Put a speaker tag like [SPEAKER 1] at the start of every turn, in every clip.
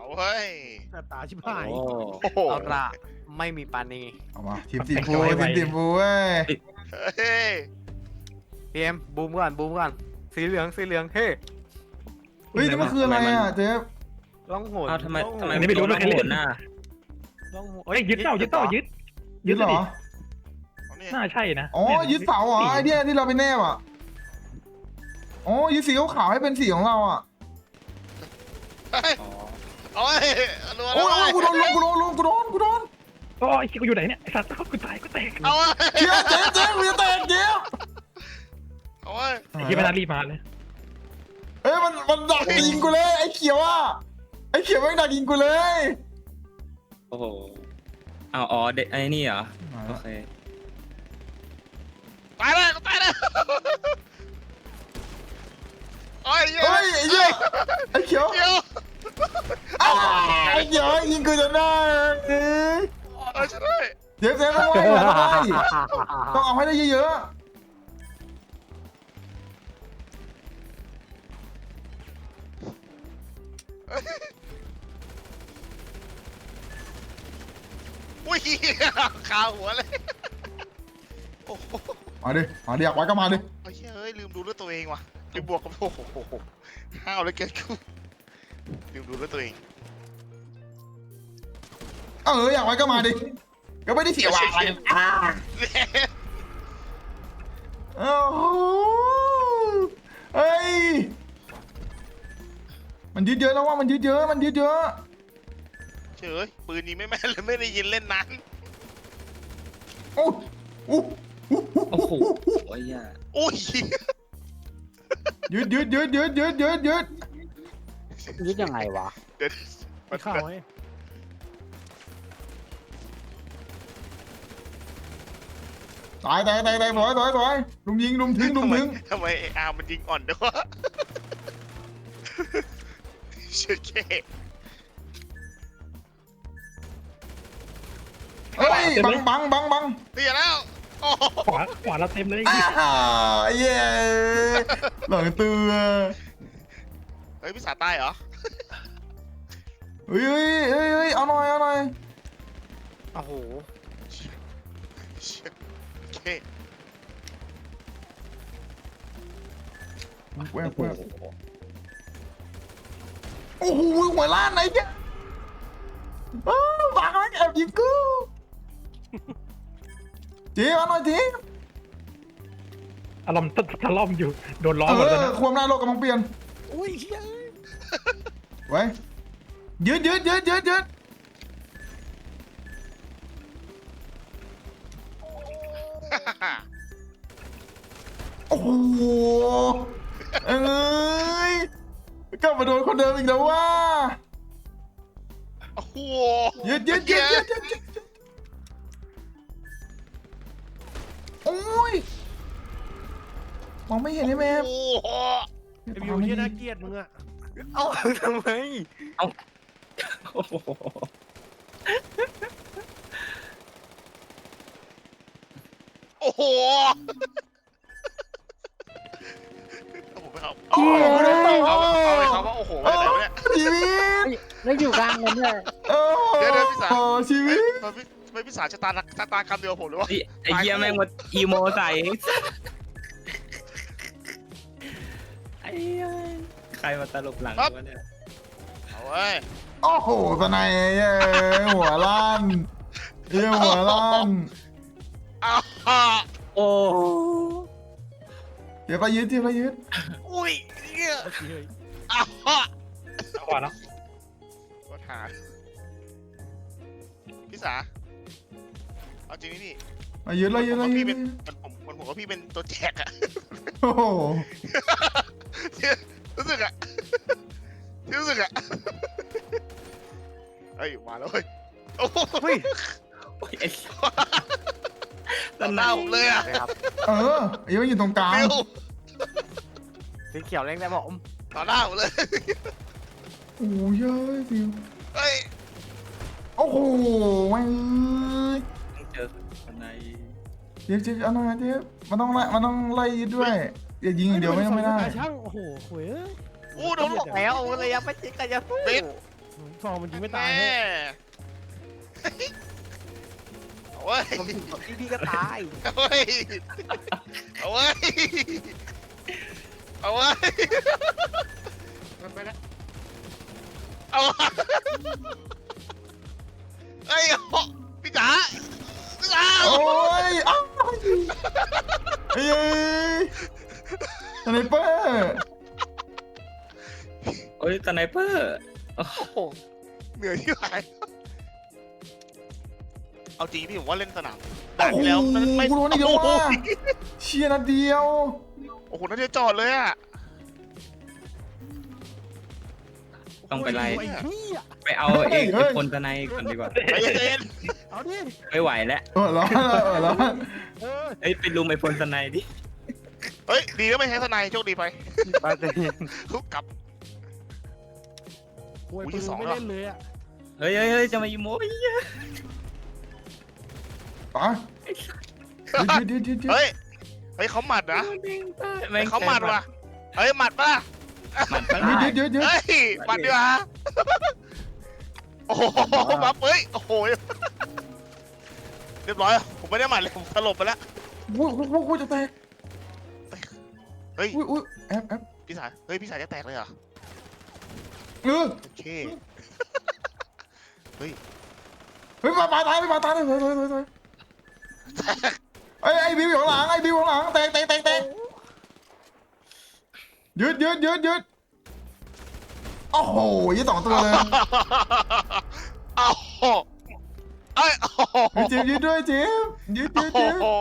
[SPEAKER 1] เอาเฮ้ย
[SPEAKER 2] หน้าตาชิบหาย
[SPEAKER 3] โอ้
[SPEAKER 1] โอ้โห
[SPEAKER 4] เอาละไม่มีปานี
[SPEAKER 5] เอามาทีมสีฟูทีมสีฟูเว้ย
[SPEAKER 1] เฮ้ย
[SPEAKER 4] พีเอ็มบูมก่อนบูมก่อนสีเหลืองเฮ้
[SPEAKER 5] เฮ้ยนี่มันคืออะไรอ่ะเจ๊บ
[SPEAKER 4] ล่องหน
[SPEAKER 3] เอ้าทำไม
[SPEAKER 4] ล่องหน
[SPEAKER 3] ทำไม
[SPEAKER 2] ไม่รู้
[SPEAKER 3] ต้อง
[SPEAKER 2] ไม่เคยเล่น
[SPEAKER 3] โหนหน้า
[SPEAKER 4] ล่องหน
[SPEAKER 2] เฮ้ยยึดเต่ายึดยึ
[SPEAKER 5] ยึ
[SPEAKER 2] ด
[SPEAKER 5] ดเหร
[SPEAKER 2] ดิ
[SPEAKER 5] อ
[SPEAKER 1] เอาเนี่ย
[SPEAKER 2] น่าใช่นะ
[SPEAKER 5] อ๋อยึดเสาเหรอไอเดียที่เราไปแนบอ่ะอ๋อยึดสีขาวๆให้เป็นสีของเราอ่ะ
[SPEAKER 1] เฮ้ย
[SPEAKER 3] อ๋อ
[SPEAKER 1] เอาเฮ้ยรัว
[SPEAKER 5] โอ้
[SPEAKER 1] แล้ว
[SPEAKER 5] ยกูโดนกูโดน
[SPEAKER 2] โอ้ยกูอยู่ไหนเนี่ยไอ้สัตว์กูตายกูแตก
[SPEAKER 1] เอาเฮ้ย
[SPEAKER 5] เจ๊บเจ๊บกูจะแตกเจ๊บ
[SPEAKER 1] เอาเฮ้ย
[SPEAKER 2] ไอ้เหี้ยไม่น่ารีบมาเลย
[SPEAKER 5] เอ้ยมันดักยิงกูเลยไอ้เขียวอ่ะไอ้เขียวมันดักยิงกูเลย
[SPEAKER 3] โอ้โหเอาอ๋อเด็กไอ้นี่เหรอโอเค
[SPEAKER 1] ตายเลยตายเลยโอ้ย
[SPEAKER 5] เฮ้ยไอ้เหี้ยไอ้เขียว
[SPEAKER 1] เดี๋ยว
[SPEAKER 5] อ้าวไอ้เขียวยิงกูจนได้เอ้ย
[SPEAKER 1] เอาช่วยด้วย
[SPEAKER 5] เจ๊บต้องไว้ต้องเอาให้ได้เยอะ
[SPEAKER 1] อุ้ยคาหัวเลยโอ้โห
[SPEAKER 5] ๆมาดิอยากไว้ก็มาดิ
[SPEAKER 1] ไอ้เฮ้ยลืมดูเลือดตัวเองว่ะลืมบวกกับโอ้โหห้าวเลยเกินกูลืมดูเลือดตัวเอง
[SPEAKER 5] อยากไว้ก็มาดิก็ไม่ได้เสียหวาอะไรโอ้โหเฮ้ยมันยืดเยอะแล้วว่ามันยืดเยอะ
[SPEAKER 1] เฉยปืนยิงไม่แม่นเลยไม่ได้ยินเล่นนั้น
[SPEAKER 5] โอ้โอ้
[SPEAKER 3] โอ้โหโอ้ยอ่ะ
[SPEAKER 1] โอ้ย
[SPEAKER 5] ยืด
[SPEAKER 4] ยึดยังไงวะ
[SPEAKER 1] เดี๋ยว
[SPEAKER 2] ไม่เข้าไอ้
[SPEAKER 5] ตายถอยลุมยิงลุมทิ้ง
[SPEAKER 1] ทำไมไอ้อาร์มันยิงอ่อนด้วยวะเชื่อแค่
[SPEAKER 5] เฮ้ยบัง
[SPEAKER 1] เตี้ยแล้วโอ้โห
[SPEAKER 2] ขวาเราเต็มเลย
[SPEAKER 5] เย้หลังตัว
[SPEAKER 1] เฮ้ยพี่สาตายเหรอ
[SPEAKER 5] เฮ้ยเอาหน่อย
[SPEAKER 4] โอ้โห
[SPEAKER 1] เชี่ยโอเค
[SPEAKER 5] แวบโอ้โหหัวล้านไหนเนี่ยบังมันแอบยิงกูเจ๊เอาหน่อยเจ๊
[SPEAKER 2] อารมณ์ทะล่อมอยู่โดนล้อหมดแล้วนะ
[SPEAKER 5] ความน่าโลกกำลังเปลี่ยน
[SPEAKER 2] อุ้ยเฮ้ย
[SPEAKER 5] ไว้ยืดโอ้โหเอ้ยกลับมาโดนคนเดิมอีกแล้วว่า
[SPEAKER 1] โอ้โห
[SPEAKER 5] ยืดโอ้ยมองไม่เห็นเลยแม่
[SPEAKER 1] โอ้โห
[SPEAKER 2] ไอ้วิวที่น่าเกลียดมึงอะ
[SPEAKER 4] เอ้าทำไม
[SPEAKER 3] โอ้โห
[SPEAKER 1] โอ้โหผมไปเอา
[SPEAKER 5] โอ้โหไม่ได้ต่อ
[SPEAKER 1] เอาไปเขาว่าโอ้โหไปไหนวะเนี่ย
[SPEAKER 5] ชีวิต
[SPEAKER 4] แล้วอยู่กลางเลยเนี่ย
[SPEAKER 5] โอ้โห
[SPEAKER 1] เดี๋ยวพี่สาว
[SPEAKER 5] ชีวิต
[SPEAKER 1] ทำไมพี่สาวชะตากรรมเดียวกับผมหรือวะ
[SPEAKER 3] ไอ้เหี้ยแม่งมาอีโมใส่ไอ้เหี้ยใครมาตลบหลังวะเนี่ย
[SPEAKER 1] เอาเว้ย
[SPEAKER 5] โอ้โหสนายหัวล้านหัวล้าน
[SPEAKER 1] อ้าวฮ่า
[SPEAKER 3] โอ้
[SPEAKER 5] เดี๋ยวไปยืด
[SPEAKER 1] อุ้ยเนี่ย
[SPEAKER 2] เฮ้ย
[SPEAKER 1] อ้าวฮ่า
[SPEAKER 2] ขวาเนาะ
[SPEAKER 1] ก็ทานพี่สาเอาจริงนี่พี่
[SPEAKER 5] มายืดเลย
[SPEAKER 1] ผมว่าพี่เป็นผมว่าพี่เป็นตัวแจกอะ
[SPEAKER 5] โอ้โห
[SPEAKER 1] รู้สึกอะเฮ้ยมาแล้วเฮ้ยโอ้โห
[SPEAKER 4] เฮ้ย
[SPEAKER 3] ไอ้
[SPEAKER 1] ต่อหน้าผมเลยอะ
[SPEAKER 4] ครับ
[SPEAKER 5] ยังไม่อยู่ตรงกลาง
[SPEAKER 1] ฟิว
[SPEAKER 4] สีเขียวเล่นได้ผม
[SPEAKER 1] ต่อหน้าผมเลย
[SPEAKER 5] โอ้ยฟิว
[SPEAKER 1] เฮ้ย
[SPEAKER 5] โอ้โหไม่
[SPEAKER 3] เจอคนใน
[SPEAKER 5] เจ๊เอาหน่อยเจ๊มันต้องไล่ด้วยอย่ายิงอย่างเดียวไม่ได้
[SPEAKER 2] ช่างโอ้โหหวย
[SPEAKER 1] โอ้โดน
[SPEAKER 4] แล้วเลยยังไม่จริงกันยังสู้
[SPEAKER 1] ปิด
[SPEAKER 2] ซองมันยิงไม่ตาย
[SPEAKER 1] แม่
[SPEAKER 2] เฮ้ย
[SPEAKER 1] เอาเว้ย
[SPEAKER 4] ผมถึงบอกพี่ก็ตาย
[SPEAKER 1] เอาเว้ยเอาเว้ยเอาเว้ย
[SPEAKER 2] ไปแล้ว
[SPEAKER 1] เอาเอ้ยพี่จ๋าพี่จ๋า
[SPEAKER 5] โอ้ยอ้าวเอ้ยสไนเปอร์
[SPEAKER 3] โอ้ยสไนเปอร์
[SPEAKER 1] โอ้โหเหนื่อยที่ไหนเอาจริงพี่ผมว่าเล่นสนามด่านที่แล้วมันไม่
[SPEAKER 5] กูโดนอีกแล้วว่ะเชียร์นัดเดียว
[SPEAKER 1] โอ้โหน่าจะจอดเลยอะ
[SPEAKER 3] ต้องไปไล่
[SPEAKER 2] ไอ้เหี้ย
[SPEAKER 3] ไปเอาเองไอ้คนสไนก่อนดีกว่า
[SPEAKER 1] ใจเย็น
[SPEAKER 2] เอาดิ
[SPEAKER 3] ไม่ไหวแล้ว
[SPEAKER 5] ร้อนร้อน
[SPEAKER 2] เออ
[SPEAKER 3] เอ้ยไปลุมไอ้คนสไนดิ
[SPEAKER 1] เฮ้ยดีแล้วไม่ใช้สไนโชคดีไป
[SPEAKER 4] ไปเย็น
[SPEAKER 1] คุกกลับ
[SPEAKER 2] โวย
[SPEAKER 1] อุ้ย
[SPEAKER 2] ปืน
[SPEAKER 1] สอง
[SPEAKER 2] ไม่
[SPEAKER 1] แล้ว
[SPEAKER 2] เล่นเลยอ่ะ
[SPEAKER 3] เฮ้ยเฮ้ยเฮ้ยจะมายิโม้ย
[SPEAKER 5] ป๋าเดี๋ยว
[SPEAKER 1] เฮ้ยเฮ้ยเขาหมัดนะ
[SPEAKER 3] แม่ง
[SPEAKER 1] เขาหมัดว่ะเฮ้ยหมัดป่ะ
[SPEAKER 3] หมัดปะล่ะ
[SPEAKER 5] เดี๋ยว
[SPEAKER 1] เฮ้ยหมัดดีวะโอ้โหบัฟเฮ้ยโอ้โหเรียบร้อยผมไม่ได้หมัดเลยผมสลบไปแล้ว
[SPEAKER 5] วุ้ยจะแตก
[SPEAKER 1] เฮ้ย
[SPEAKER 5] อุ้ยแอบ
[SPEAKER 1] พี่สายเฮ้ยพี่สายจะแตกเลยเหรอ
[SPEAKER 5] เออ
[SPEAKER 1] โอเค
[SPEAKER 5] เฮ้ยมาตายเลยไอ้บิวอยู่ข้างหลังแตกยืดโอ้โหยี่สองตัวเลย
[SPEAKER 1] เอาเอ้ยโอ้โห
[SPEAKER 5] จิ๊บยืดด้วยจิ๊บยืด
[SPEAKER 1] โอ้โห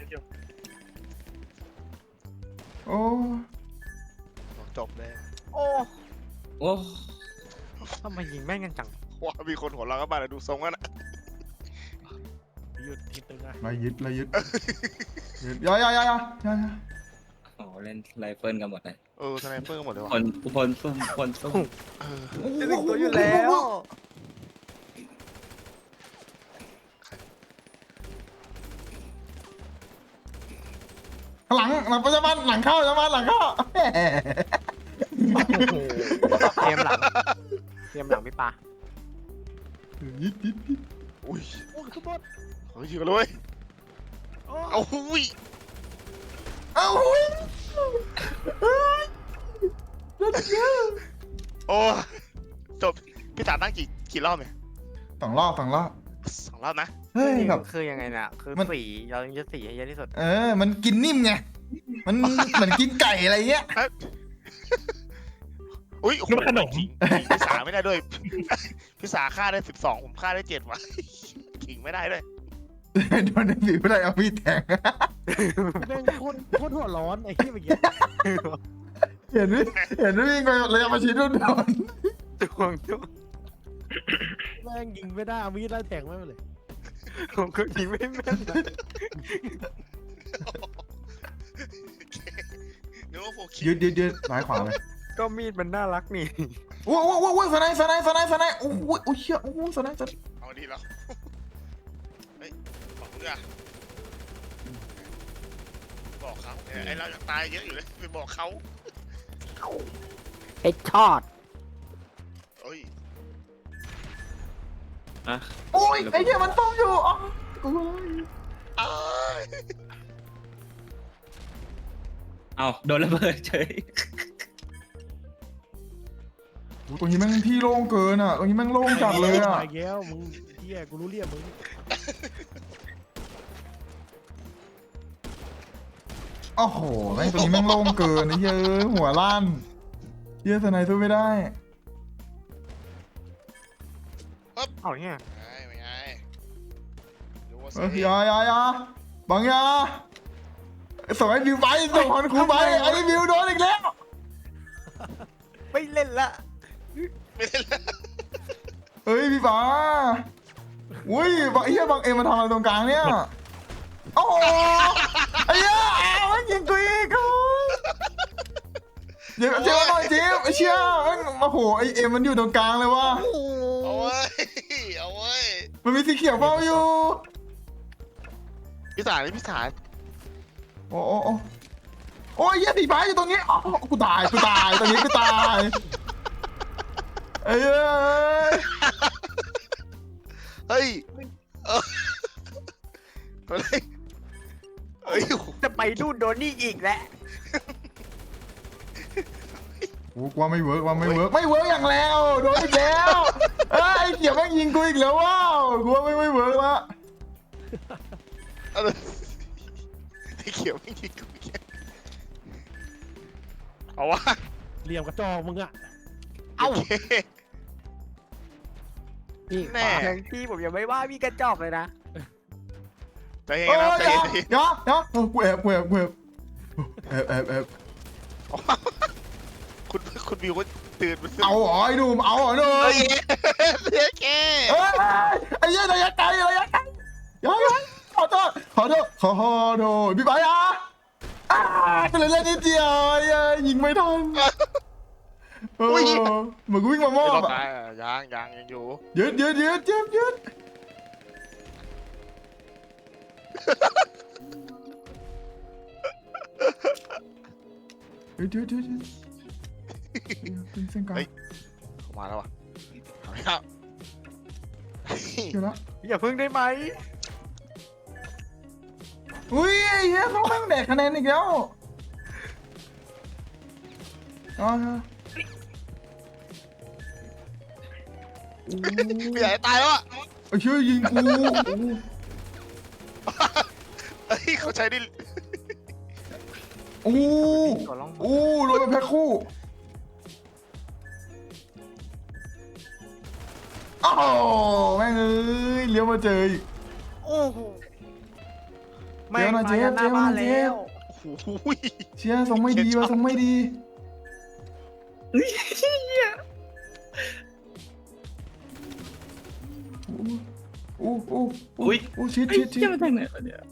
[SPEAKER 5] โอ้
[SPEAKER 1] จบเลย
[SPEAKER 4] โอ้
[SPEAKER 3] โอ้
[SPEAKER 4] ทำไมยิงแม่งกันจัง
[SPEAKER 1] ว่ามีคนหัวเราะกันบ้างดูทรงกันนะ
[SPEAKER 2] หยุดกินตึงอ่ะ
[SPEAKER 5] มายึดอย่า
[SPEAKER 3] โหเล่นไรเฟิลกันหมดเลย
[SPEAKER 1] สไนเปอร์หมดเลยว่ะ
[SPEAKER 3] คนส้มคนส้ม
[SPEAKER 1] เออ
[SPEAKER 4] จะถึงตัวอยู่แล้ว
[SPEAKER 5] หลังประจำวันหลังเข้า
[SPEAKER 4] เตรียมหลังพี่ปา
[SPEAKER 5] ยึด
[SPEAKER 1] อุ้ย
[SPEAKER 2] โอ้ขบวน
[SPEAKER 1] เฮ้ยยิงกันเลย
[SPEAKER 2] โอ้
[SPEAKER 1] เอาหุ้ย
[SPEAKER 5] เอ้า
[SPEAKER 1] โอ้จบพี่จ๋านั่งกี่รอบเนี่ย
[SPEAKER 5] สองรอบ
[SPEAKER 1] 2 รอบนะ
[SPEAKER 5] เฮ้ยแบบ
[SPEAKER 4] คือยังไงเนี่ยคือ
[SPEAKER 5] มัน
[SPEAKER 4] สีเราจะสีให้เยอะที่สุด
[SPEAKER 5] มันกินนิ่มไงมันเหมือนกินไก่อะไรเงี้ย
[SPEAKER 1] อุ้ยโอ้โห
[SPEAKER 2] ขนม
[SPEAKER 1] พี่สาไม่ได้ด้วย พี่สาฆ่าได้12ผมฆ่าได้7ว่ะขิงไม่ได้ด้วย
[SPEAKER 5] โดนในฝีไม่ได้เอามีดแทง
[SPEAKER 2] แม่งโคตรหัวร้อนไอ้ที่เมื่อกี้
[SPEAKER 5] เห็นวิ่งไปเลยเอามาชี้โดน
[SPEAKER 4] ดวง
[SPEAKER 2] แม่งยิงไม่ได้เอามีดไล่แทงไม่เลย
[SPEAKER 4] ผมก็ยิงไม่แม่นนะ
[SPEAKER 1] นึกว่าโฟคิ
[SPEAKER 5] ยืดซ้ายขวาเลย
[SPEAKER 4] ก็มีดมันน่ารักนี่
[SPEAKER 5] โอ้สไนโอ้เชี่ยโอ้สไน
[SPEAKER 1] เอาดีแล้วเฮ้ยบอกมึงอะบอกเขาไอเราจะตายเยอะอยู่เลยไปบอกเขา
[SPEAKER 4] ไอ้ชอด
[SPEAKER 1] เอ้ย
[SPEAKER 3] อะ
[SPEAKER 5] โอ้ยไอ้เหี้ยมันต้มอยู่อ๋อ
[SPEAKER 1] อ้าย
[SPEAKER 3] เอาโดนระเบิดเฉย
[SPEAKER 5] ตรงนี้แม่งที่โล่งเกินอ่ะตรงนี้แม่งโล่งจัดเลยอ่ะ
[SPEAKER 2] ไอ้แก้วมึงเหี้ยกูรู้เรียกมึง
[SPEAKER 5] โอ้โหแม่งตรงนี้แม่งโล่งเกินไอ้เหี้ยหัวล้านเหี้ยสไนสู้ไม่ได้
[SPEAKER 4] เอาเนี่ย
[SPEAKER 1] ไม่ไงดูว่า
[SPEAKER 5] อย่าบังยาส่งให้บิวไปส่งฮอนคูไปไอ้บิวโดนอีกแล้ว
[SPEAKER 4] ไม่เล่นละ
[SPEAKER 1] ไม่ได้แล้ว
[SPEAKER 5] เฮ้ยพี่ป๋าอุ้ยบังเฮียบังเอ็มมาทำอะไรตรงกลางเนี่ยโอ้โหไอ้เหี้ยมันยิงกูอีกเดี๋ยวเจ๊หน่อยเจ๊ไอ้เชี่ยโอ้โหไอ้เอ็มมันอยู่ตรงกลางเลยว่ะ
[SPEAKER 1] เอาไว้เอาไว้
[SPEAKER 5] มันมีสีเขียวเฝ้าอยู่
[SPEAKER 1] พี่สายนี่พี่สาย
[SPEAKER 5] โอ้ยเหี้ยสีฟ้าอยู่ตรงนี้อ๋อกูตายตรงนี้กูตายไอ้เอ้ย
[SPEAKER 1] เฮ้ยเออเฮ้ยเฮ้ย
[SPEAKER 4] จะไปนู่นโดนนี่อีกแหละ
[SPEAKER 5] กูว่าไม่เวิร์กว่าไม่เวิร์กอย่างแล้วโดนอีกแล้วเอ้ยไอ้เขียวแม่งยิงกูอีกแล้วว้าวกูว่าไม่เวิร์กละ
[SPEAKER 1] อะไรไอ้เขียวไม่ยิงกูแค่เอาวะ
[SPEAKER 2] เหลี่ยมกระจอกมึงอะ
[SPEAKER 1] โอเค
[SPEAKER 2] นี่
[SPEAKER 1] แน่
[SPEAKER 4] อย่างที่ผมยังไม่ว่าพี่กระจอกเลยนะ
[SPEAKER 1] ใจเย็น
[SPEAKER 5] เอ้ย
[SPEAKER 1] นะใจ
[SPEAKER 5] เดี๋ยว
[SPEAKER 1] เย็น
[SPEAKER 5] เดี๋ยวเดี๋ยวกูแอบ
[SPEAKER 1] คุณบิวก็ตื่นมาซึ่ง
[SPEAKER 5] เอาเหรอไอ้หนุ่มเอาเหรอหนุ่ม
[SPEAKER 1] เฮ้ยเสียแค่
[SPEAKER 5] เอ้ยไอ้เหี้ยระยะไกลยังขอโทษพี่ไปอ่ะก็เลยเล่นนิดเดียวยิงไม่ทันเหมือนกูวิ่งมามอบ
[SPEAKER 1] ไม่ต้อง
[SPEAKER 5] อ่ะ
[SPEAKER 1] ตายอ่ะยังอยู่
[SPEAKER 5] ยืดตึงเส้นกลาง
[SPEAKER 1] เข้ามาแล้วว่ะเอาไม่เข้า
[SPEAKER 5] เดี๋ยวละ
[SPEAKER 4] อย่าพึ่งได้ไหม
[SPEAKER 5] อุ้ยไอ้เหี้ยต้องแม่งแดกคะแนนอีกแล้วอ๋อ
[SPEAKER 1] ไม่อยากให้ตายแล้วอ่ะ
[SPEAKER 5] ไอ้เชื่อยิงกู
[SPEAKER 1] เฮ้ยเขาใช้ดิ
[SPEAKER 5] โอ้รถเป็นแพ็คคู่อ้าวแม่งเอ้ยเลี้ยวมาเจออีก
[SPEAKER 4] โอ้โหแม่ง
[SPEAKER 5] เดี๋ยวนะ
[SPEAKER 4] มา
[SPEAKER 5] เจ๊
[SPEAKER 4] ยันหน้าบ้าน
[SPEAKER 5] เจ๊
[SPEAKER 4] แล้ว
[SPEAKER 1] โอ้โห
[SPEAKER 5] เชียร์ส่งไม่ดีว่ะส่งไม่ดีอู้ชิด
[SPEAKER 3] เฮ้ยเจ้ามาทางไหนวะเนี่ย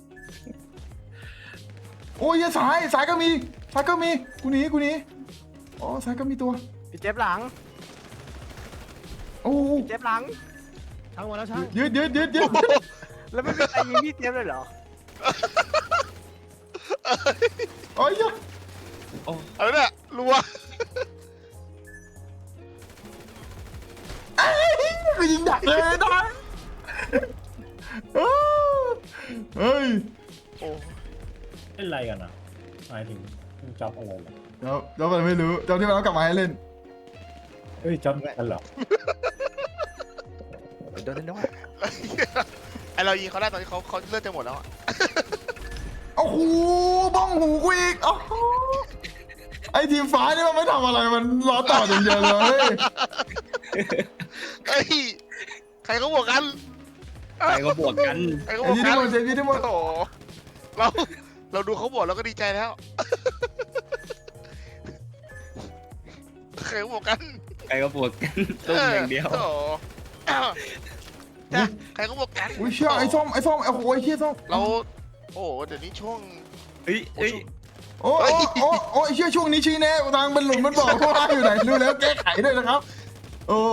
[SPEAKER 5] โอ้ยสายก็มีกูหนีอ๋อสายก็มีตัว
[SPEAKER 4] พี่เจ็บหลัง
[SPEAKER 5] โอ้
[SPEAKER 4] เจ็บหลัง
[SPEAKER 2] ทั้งหมดแล้วช่าง
[SPEAKER 5] ยืด
[SPEAKER 4] แล้วไม่มีใครยิงพี่เจ็บเลยเหรอ
[SPEAKER 5] โอ้ย
[SPEAKER 1] อะไรเนี่ยรัว
[SPEAKER 5] กูยิงดักเลยได้เฮ้ย
[SPEAKER 1] โอ้
[SPEAKER 2] เล่นอะไรกันอ่ะหมายถึงจ็อบอะไรเหรอ
[SPEAKER 5] เดี๋ยวมันไม่รู้เดี๋ยวที่มันเอากลับมาให้เล่น
[SPEAKER 2] เอ้ยจ็อบกันเหรอ
[SPEAKER 4] โดนน้อย
[SPEAKER 1] ไอเรายิงเขาได้ตอนที่เขาเลือดจะหมดแล้วอ่ะ
[SPEAKER 5] โอ้โหบ้องหูกูอีกไอทีมฟ้านี่มันไม่ทำอะไรมันรอต่ออย่างเดียวเลย
[SPEAKER 1] เฮ้ยใครเขาบวกกัน
[SPEAKER 3] ใครก็บวกกัน
[SPEAKER 1] ใครเขา
[SPEAKER 5] ไอบ
[SPEAKER 1] วก
[SPEAKER 5] พี่
[SPEAKER 1] กั
[SPEAKER 5] ทั้
[SPEAKER 1] น
[SPEAKER 5] งหมดเจพี่ทั้งหมด
[SPEAKER 1] โอ้โหเราดูเขาบวกเราก็ดีใจแล้วใครเขาบวกกัน
[SPEAKER 3] ใครก็บวกกันตุ้มอย่างเดียว
[SPEAKER 1] โอ้โหจ้ะใครเขาบวกกัน
[SPEAKER 5] อุ้ยเชี่ยไอ้ส้มโอ้โหไอ้เชี่ยส้ม
[SPEAKER 1] เราโอ้โหเดี๋ยวนี้ช่วง
[SPEAKER 3] เฮ้ย
[SPEAKER 5] โอ้ไอ้เชี่ยช่วงนี้ชี้แน่ทางบรรลุมันบอกว่าอยู่ไหนรู้แล้วแก้ไขด้วยนะครับโอ้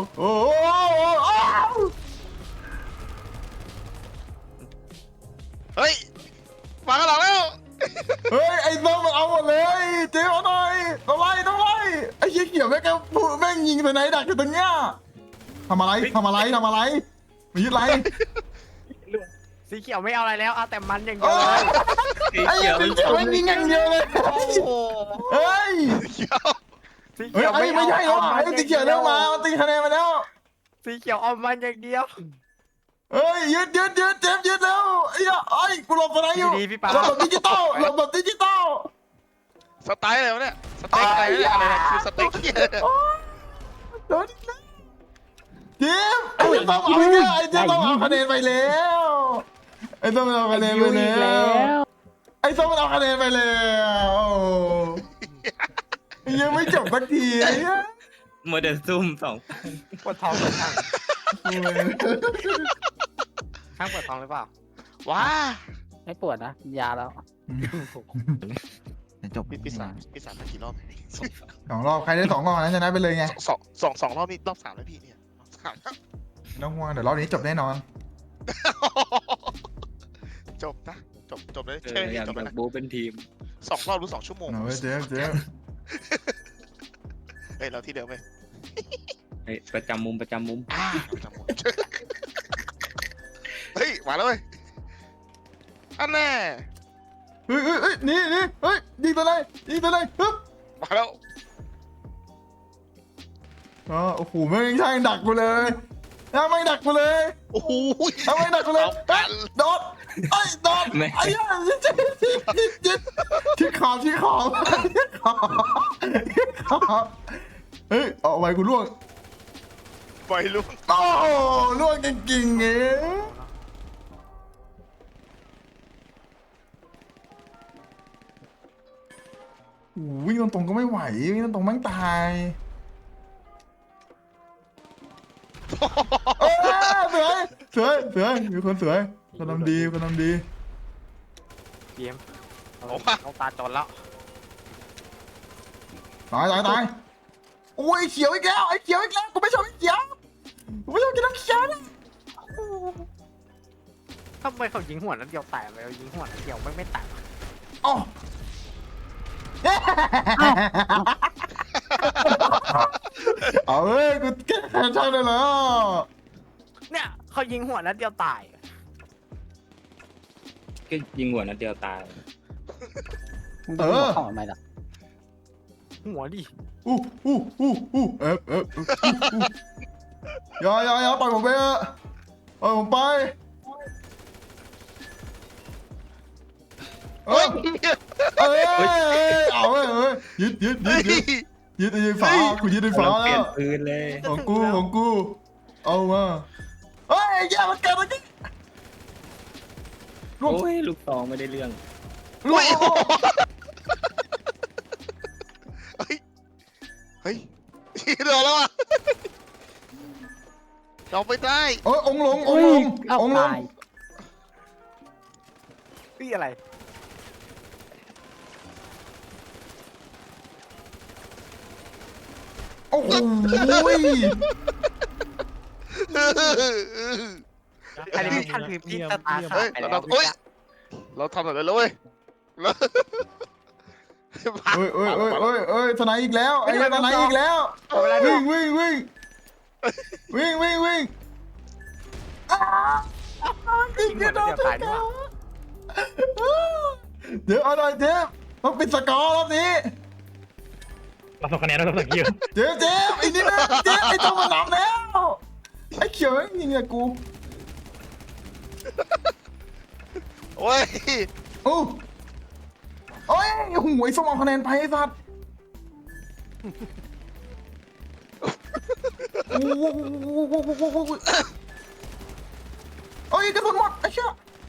[SPEAKER 1] เฮ้ยมากันหลังแล้ว
[SPEAKER 5] เฮ้ยไอ้ส้มมันเอาหมดเลยเจ๊เอาหน่อยต้องไล่ไอ้เชี่ยเขียวแม่งแม่งยิงตัวไหนดักอยู่ตรงเนี้ยทำอะไรมียึดไร
[SPEAKER 4] สีเขียวไม่เอาอะไรแล้วเอาแต่มันอย่างเดียวเลย
[SPEAKER 5] ไอ้เขียวมันยิงอย่างเดียวเลย
[SPEAKER 1] โอ้โห
[SPEAKER 5] เฮ้ย
[SPEAKER 1] เขียว
[SPEAKER 4] สี
[SPEAKER 5] เฮ้
[SPEAKER 4] เขี
[SPEAKER 5] ย
[SPEAKER 4] ยว
[SPEAKER 5] ไอ้ไม่ใช่หรอไอ้ตีเขียวเร็วมาตีคะแนนมาแล้ว
[SPEAKER 4] สีเขียวเอามันอย่างเดียว
[SPEAKER 5] เฮ้ยยืดเจ็บยืดแล้วไอ้กูหลบอะไรอยู่
[SPEAKER 4] ดีพี่ปา
[SPEAKER 5] หลบแบบดิจิตอล
[SPEAKER 1] สไตล์อะไรวะเนี่ยสเต็กอะไรเนี่ยอะไรเนี่ยคือสเต็กเขีย
[SPEAKER 5] โดนอีกแล้วเจมไอ้ต้องเอาเนี่ยไอ้เจมต้องเอาคะแนนไปแล้วไอ้ต้องเอาคะแนนไปแล้วไอ้ต้องเอาคะแนนไปแล้วยังไม่จบสักทีไอ้เหี้ย
[SPEAKER 3] โมเดลซุ่มสอง
[SPEAKER 4] ปวดท้องเลยช่างช่างปวดท้องหรือเปล่า
[SPEAKER 1] ว้า
[SPEAKER 4] ไม่ปวดนะกินยาแล้ว
[SPEAKER 5] จบ
[SPEAKER 1] ปีศาจมากี่รอบ
[SPEAKER 5] 2 รอบใครได้2 รอบนั้นชนะไปเลยไง
[SPEAKER 1] สองรอบนี่รอบ3แล้วพี่เนี่ยรอบ3แล้ว
[SPEAKER 5] น้องห่วงเดี๋ยวรอบนี้จบแน่นอน
[SPEAKER 1] จบนะจบเลย
[SPEAKER 3] เอ
[SPEAKER 1] ใช่ไหม
[SPEAKER 3] ออยาก
[SPEAKER 1] จบ
[SPEAKER 3] แบ
[SPEAKER 1] แล้ว
[SPEAKER 3] บ
[SPEAKER 1] นะ
[SPEAKER 3] บูเป็นทีม
[SPEAKER 1] 2 รอบหรือ2 ชั่วโมง
[SPEAKER 5] เอาไว้เจม
[SPEAKER 1] เฮ้ยเราที่เดิมไป
[SPEAKER 3] เฮ้ยประจำมุม
[SPEAKER 1] ประจำหมดมาแล้วเว้ยอันแน่
[SPEAKER 5] เฮ้ยเฮ้ยเฮ้ยนี่นี่เฮ้ยยิงตัวไหนยิงตัวไหนฮึบ
[SPEAKER 1] มาแล้ว
[SPEAKER 5] อ๋อโอ้โหแม่งช่างดักกูเลยทำไมดักกูเลย
[SPEAKER 1] โอ้โห
[SPEAKER 5] ทำไมดักกูเลย
[SPEAKER 1] เอากัน
[SPEAKER 5] โดดไอ้โดดไอ้ยันที่ขาวที่ขาวเฮ้ยเอาไว้กูล่วง
[SPEAKER 1] ปล่อยลุง
[SPEAKER 5] โอ้ล่วงจริงๆเงี้ยวิ่งตรงๆก็ไม่ไหววิ่งตรงๆแม่งตายเออสวยสวยสวยมีคนสวยคนทำดีคนทำดี
[SPEAKER 4] เกมเอาตาจนแล้ว
[SPEAKER 5] ตายตายตายโอ้ยเขียวอีกแล้วไอ้เขียวอีกแล้วกูไม่ชอบไอ้เขียวกูไม่ชอบกินน้ำเขียวนะ
[SPEAKER 4] ทำไมเขายิงหัวนัดเดียวแตกเลยยิงหัวนัดเดียวไม่แตก
[SPEAKER 5] อ๋อเอาเว้ยกูแก้แค้นช่างได้แล้ว
[SPEAKER 4] เนี่ยเขายิงหัวนัดเดียวตาย
[SPEAKER 3] ก็ยิงหัวนัดเดียวตาย
[SPEAKER 2] มึงจะหัวเข้าทำไมล่ะ
[SPEAKER 4] หัวดิ
[SPEAKER 5] อย่าปล่อยผมไปเถอะปล่อยผมไปเอ้ยเอาเว้ยยึดไอ้ฟ้ากูยึดไอ้ฟ้า
[SPEAKER 3] เปลี่
[SPEAKER 5] แล้
[SPEAKER 3] ยน
[SPEAKER 5] ว
[SPEAKER 3] ปืนเลย
[SPEAKER 5] ของกูเอามาเฮ้ยอย่ามันเกิดอะไรขึ้นลูก
[SPEAKER 3] โอ้ยลูกซองไม่ได้เรื่อง
[SPEAKER 5] ลูก
[SPEAKER 1] เฮ้ยโดนแล้วอ่ะเราไม่ได้
[SPEAKER 5] เอ้ยองลง
[SPEAKER 2] เอา
[SPEAKER 5] องลง
[SPEAKER 2] ตาย
[SPEAKER 4] พี่อะไร
[SPEAKER 5] โอ้โห
[SPEAKER 4] อันนี้ท่านคือพี่ตาขา
[SPEAKER 1] เฮ้ย
[SPEAKER 4] ไปแล้ว
[SPEAKER 1] เราทำอะไรแล้วเว้ยแล้ว
[SPEAKER 5] เอ้ยทนายอีกแล้วไอ้ทนายอีกแล้ววิ่งเดี๋ยวเอาหน่อยเจฟต้องปิดสกอร์รอบนี้
[SPEAKER 6] เราส่งคะแนนเราส่งคิว
[SPEAKER 5] เจฟอีกนิดนึงเจฟไอ้ต้องมาหนำแล้วไอ้เขียวยิงอะกู
[SPEAKER 1] โอ้ย
[SPEAKER 5] โอ้ยหูไอ้ส้มเอาคะแนนไปไอ้สัตว์โอ้ยกระสุนหมดไอ้เชี่ย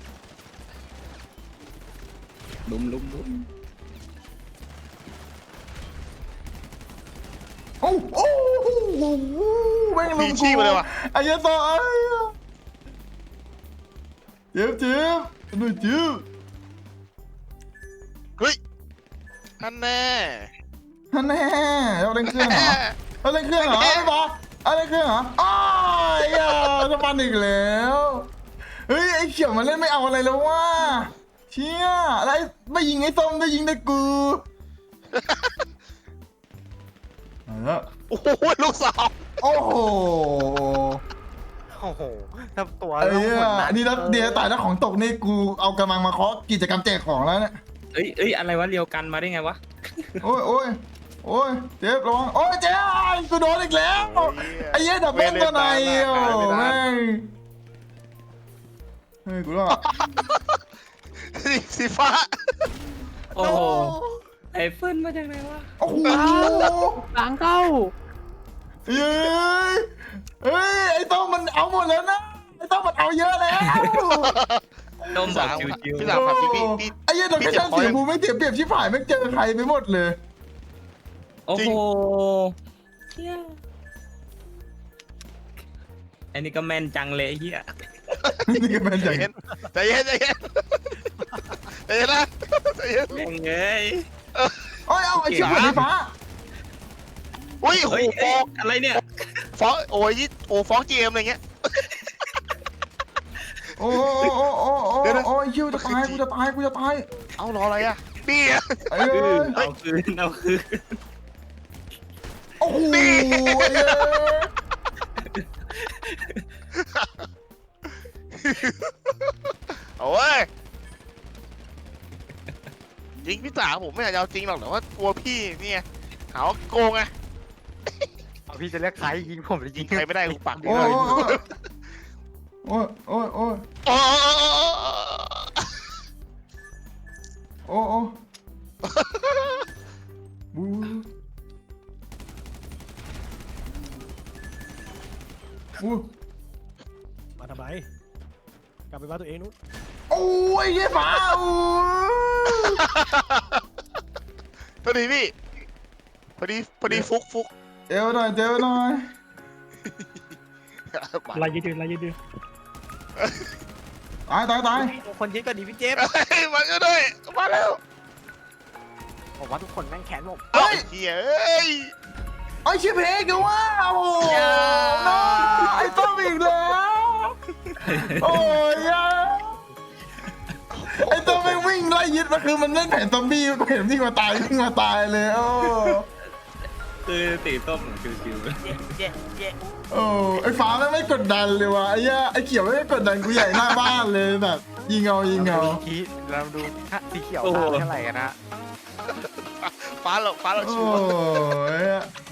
[SPEAKER 3] ลุม
[SPEAKER 5] โอ้แม่งลุ
[SPEAKER 1] มี
[SPEAKER 5] ม
[SPEAKER 1] ชี้
[SPEAKER 5] กู
[SPEAKER 1] มาเลยว่ะ
[SPEAKER 5] ไอ้เหี้ยต่อไอ้เจ็บหนูจิ้ว
[SPEAKER 1] เฮ้ยอันแน่
[SPEAKER 5] ฮันแน่เราเล่นเครื่องเหรอเราเล่นเครื่องเหรอไม่บอกเราเล่นเครื่องเหรออ้าวอย่าจะปันอีกแล้วเฮ้ยไอ้เขียวมันเล่นไม่เอาอะไรแล้วว่ะเชี่ยอะไรไม่ยิงไอ้ส้มได้ยิงแต่กูเอาละ
[SPEAKER 1] โอ้โหลูกสาว
[SPEAKER 5] โอ้โห
[SPEAKER 4] โอ้โหทำตัว
[SPEAKER 5] ไอ้เนี่ยนี่แล้วเดี๋ยวตายแล้วของตกนี่กูเอากำลังมาเคาะกิจกรรมแจกของแล้วเนี่ย
[SPEAKER 3] เอ้ยอะไรวะเรียวกันมาได้ไงวะ
[SPEAKER 5] โอ้ยเจ็บระวังโอ้ยเจ็บกูโดนอีกแล้วไอ้เหี้ยดับเบิ้ลตัวไหนโอ้แม่งเฮ้ยกูรอด
[SPEAKER 1] สีฟ้า
[SPEAKER 3] โอ้โหไอเฟิลมาจากไหนวะ
[SPEAKER 5] โอ้โห
[SPEAKER 2] หลังเข้า
[SPEAKER 5] เฮ้ยไอ้ต้องมันเอาหมดแล้วนะไอ้ต้องมันเอาเยอะแล้ว
[SPEAKER 3] ต้มแบบชิว
[SPEAKER 1] พี่สาวครับพี่
[SPEAKER 5] ไอ้เหี้ยเราแค่ช่างเสียบูไม่เสียเปรียบชิบหายไม่เจอใครไปหมดเลย
[SPEAKER 3] ๆโอ้โหเชี่ยอันนี้ก็แม่นจังเลยไอ้เฮีย
[SPEAKER 5] นี่ก็เป็น
[SPEAKER 1] ใจ
[SPEAKER 5] อย่าง
[SPEAKER 1] เย็นใจเย็นใจเย็นใจเย็นนะใจเย็น
[SPEAKER 3] แม่งเอ้ย
[SPEAKER 5] โอ้ยเอาไอ้เชี่ยหัวไฟฟ้า
[SPEAKER 1] อุ้ยโอ้
[SPEAKER 3] เฮ้ย
[SPEAKER 1] โห
[SPEAKER 3] อะไรเนี่ย
[SPEAKER 1] ฟ้องโอ้ยฟ้อง GM อะไรเงี้ย
[SPEAKER 5] โอ้ยชิวจะตายกูจะตาย
[SPEAKER 1] เอารออะไรอ่ะนี่
[SPEAKER 5] ไอ้
[SPEAKER 3] เอาคืน
[SPEAKER 5] โอ้โห
[SPEAKER 1] ษาผมไม่อยากจะเอาจริงหรอกแต่ว่ากลัวพี่เนี่ยหาว่าโกงไง
[SPEAKER 4] เอาพี่จะเลือกใครยิงผมหรือยิง
[SPEAKER 1] ใครไม่ได้กูปักดี
[SPEAKER 5] โอ้
[SPEAKER 1] เลย
[SPEAKER 5] โอ้โอ้โอ้
[SPEAKER 1] โอ้
[SPEAKER 5] โอ้โอ้บูบู
[SPEAKER 2] มาทำไมกลับไปบ้านตัวเองนู้น
[SPEAKER 5] โอ้ยเย้ฟ้าโอ้
[SPEAKER 1] พอดีพี่พอดีฟุก
[SPEAKER 5] เอวหน่อยเอวหน่อย
[SPEAKER 6] ลายยืดลายยืด
[SPEAKER 5] ตายตายตาย
[SPEAKER 4] คนยิงก็ดีพี่เจฟ
[SPEAKER 1] เฮ้ยมาก็ได้มาแล้ว
[SPEAKER 4] ผมว่าทุกคนแม่งแค้นผม
[SPEAKER 1] เฮ้ยเฮ้ย
[SPEAKER 5] ไอ้ชิเพกกันว่าโอ้ยไอ้ต้อมอีกแล้วโอ้ยไอ้ต้อมไม่วิ่งไล่ยึดมาคือมันเล่นแผนซอมบี้ก็เห็นวิ่งมาตายเลยโอ้
[SPEAKER 3] คือตีต้มชิว
[SPEAKER 5] โอ้ไอ้ฟ้าไม่กดดันเลยวะไอ้เหี้ยไอ้เขียวไม่กดดันกูใหญ่หน้าบ้านเลยแบบยิงเอา
[SPEAKER 4] ทีเราดูสีเขียวตาเท่าไหร่กันนะ
[SPEAKER 1] ฟ้าเรา
[SPEAKER 5] โอ้
[SPEAKER 1] ชิวย
[SPEAKER 5] ย